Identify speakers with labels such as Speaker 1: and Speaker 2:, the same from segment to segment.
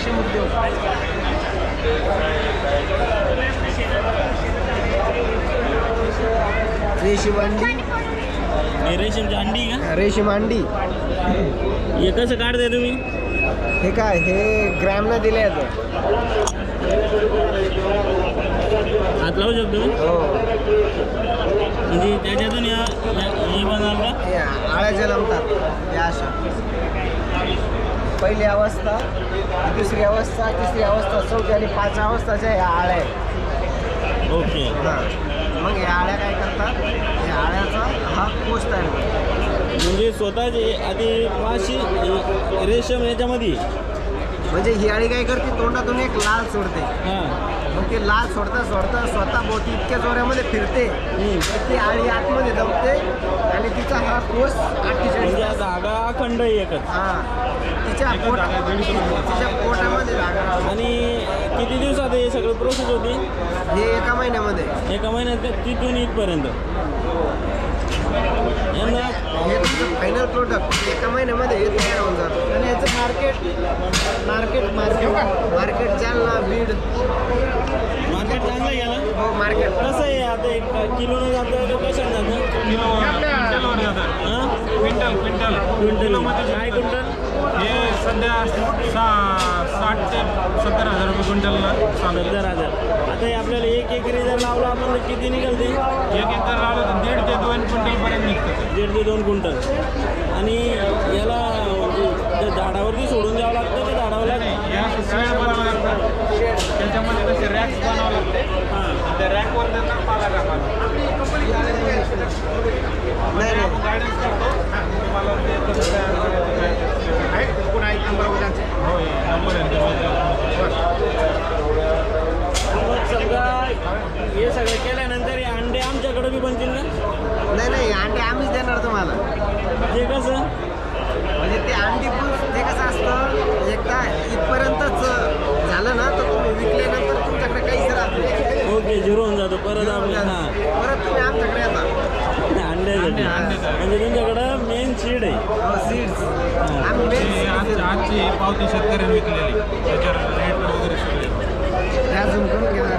Speaker 1: रेशीम उद्योग. रेशीम अंडी.
Speaker 2: हे रेशीमची अंडी का?
Speaker 1: रेशीम अंडी.
Speaker 2: हे कसं काढताय तुम्ही?
Speaker 1: हे काय, हे ग्रॅमनं दिले आहेत.
Speaker 2: हात लावू शकतो मी?
Speaker 1: हो.
Speaker 2: म्हणजे त्याच्यातून हे बनाल का?
Speaker 1: हे आळ्या जन्मतात या अशा. पहिली अवस्था, दुसरी अवस्था, तिसरी अवस्था, चौथी आणि 5 अवस्थाच्या ह्या आळ्या आहेत.
Speaker 2: ओके.
Speaker 1: हां. मग या आळ्या काय करतात, या आळ्याचा हा कोष तयार करतात.
Speaker 2: म्हणजे स्वतःचे आधी माशी रेशम याच्यामध्ये.
Speaker 1: म्हणजे ही आळी काय करते, तोंडातून एक लाल सोडते.
Speaker 2: हां.
Speaker 1: मग ती लाल सोडता सोडता स्वतः भोवती इतक्या जोऱ्यामध्ये फिरते तर ती आळी आतमध्ये जमते आणि तिचा हा कोष 48.
Speaker 2: म्हणजे हा धागा अखंड आहे एकच.
Speaker 1: हां. तिच्या पोटामध्ये जागा राहते.
Speaker 2: आणि किती दिवसात हे सगळं प्रोसेस होती?
Speaker 1: हे एका महिन्यामध्ये.
Speaker 2: एका महिन्यात तिथून इथपर्यंत. यांना
Speaker 1: हे तुमचं फायनल प्रोडक्ट एका महिन्यामध्ये हे तयार होऊन जातं. आणि याचं मार्केट जालना, बीड.
Speaker 2: मार्केट चांगलं गेलं.
Speaker 1: हो, मार्केट
Speaker 2: कसं आहे आता? एक किलोनं जातं का कशानं जातं? हां, क्विंटल. काय क्विंटल?
Speaker 3: हे सध्या 60 ते 70 हजार रुपये क्विंटलला चालू आहे.
Speaker 2: 70,000. आता हे आपल्याला 1 एकरी जर लावलं आपण तर किती निघालते?
Speaker 3: 1 एकर लावलं तर 1.5 ते 2 क्विंटलपर्यंत निघतं.
Speaker 2: 1.5 ते 2 क्विंटल. आणि याला म्हणजे त्या झाडावरती सोडून द्यावं लागतं का झाडावर लागतं?
Speaker 3: या शेड बनावं लागतं. त्याच्यामध्ये तसे रॅक्स बनावं लागते.
Speaker 2: हां.
Speaker 3: त्या रॅकवर त्यांना पाला टाकायला.
Speaker 1: नाही नाही.
Speaker 3: आपण गायडन्स करतो तुम्हाला ते कसं तयार करायचं. हो, नंबर आहे.
Speaker 2: मग समजा हे सगळं केल्यानंतर हे अंडे आमच्याकडे बी बनतील ना?
Speaker 1: नाही अंडे आम्हीच देणार तुम्हाला.
Speaker 2: ते कसं?
Speaker 1: म्हणजे ते अंडी पण ते कसं असतं, एकदा इथपर्यंतच झालं ना तर तुम्ही विकल्यानंतर तुमच्याकडे काहीच राहत नाही.
Speaker 2: ओके, झिरो होऊन जातो परत आपल्या. हां,
Speaker 1: परत तुम्ही आमच्याकडे येता.
Speaker 2: अंड्यासाठी. म्हणजे तुमच्याकडं मेन सीड आहे.
Speaker 1: सीड्स आम्ही
Speaker 3: आजची पावती शेतकऱ्यांनी विकलेली, त्याच्यावर रेट वगैरे सगळे
Speaker 1: अजून करून घेणार.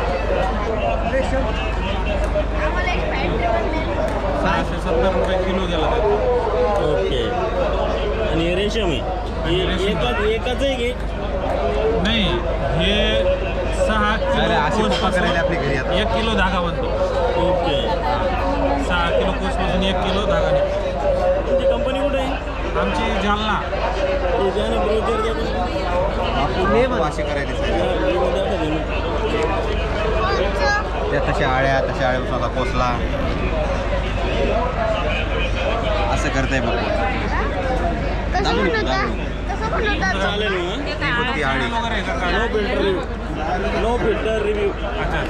Speaker 3: 670 रुपये किलो गेला त्याचा.
Speaker 2: ओके. आणि हे रेशम आहे. हे एकाच आहे की?
Speaker 3: नाही, हे 6 किलो कोसपासून 1 किलो धागा बनतो.
Speaker 2: ओके.
Speaker 3: 6 किलो कोसपासून 1 किलो धागा निघतो.
Speaker 2: तुमची कंपनी कुठे आहे?
Speaker 3: आमची जालना.
Speaker 2: ते द्या ना, ब्रोचर द्या तुम्ही.
Speaker 1: वाशी करायची
Speaker 4: त्या तशा आळ्यापासून आता कोसला असं करताय बघ.
Speaker 2: चालेल मग.
Speaker 4: ती आळी
Speaker 3: वगैरे का?
Speaker 2: No filter review.